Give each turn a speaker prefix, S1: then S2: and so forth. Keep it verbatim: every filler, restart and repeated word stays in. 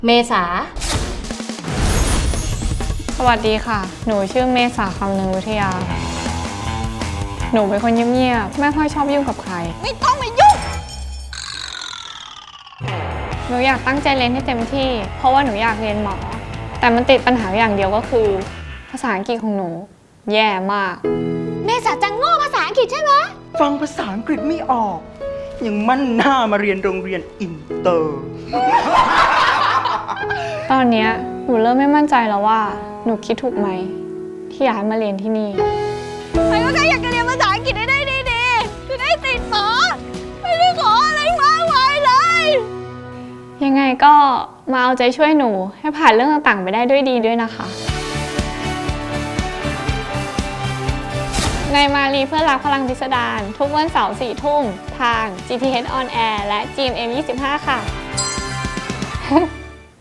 S1: เมษา
S2: สวัสดีค่ะหนูชื่อเมษาคำนึงวิทยาหนูเป็นคนเงียบๆไม่ค่อยชอบยุ่งกับใคร
S1: ไม่ต้องมายุ่ง
S2: หนูอยากตั้งใจเรียนให้เต็มที่เพราะว่าหนูอยากเรียนหมอแต่มันติดปัญหาอย่างเดียวก็คือภาษาอังกฤษของหนูแย่มาก
S1: เมษาจังโง่ภาษาอังกฤษใช่ไหม
S3: ฟังภาษาอังกฤษไม่ออกยังมั่นหน้ามาเรียนโรงเรียนอินเตอร์
S2: ตอนนี้หนูเริ่มไม่มั่นใจแล้วว่าหนูคิดถูกไหมที่ย้ายมาเรียนที่นี่
S1: ใครก็แค่อยากจะเรียนภาษาอังกฤษได้ได้ดีๆจะได้ติดต่อไม่ได้ขออะไรมากมายเลย
S2: ยังไงก็มาเอาใจช่วยหนูให้ผ่านเรื่องต่างๆไปได้ด้วยดีด้วยนะคะในมาลีเพื่อรักพลังพิสดารทุกวันเสาร์สี่ทุ่มทาง จี ที เอช On Air และ จี เอ็ม เอ็ม ยี่สิบห้า ค่ะ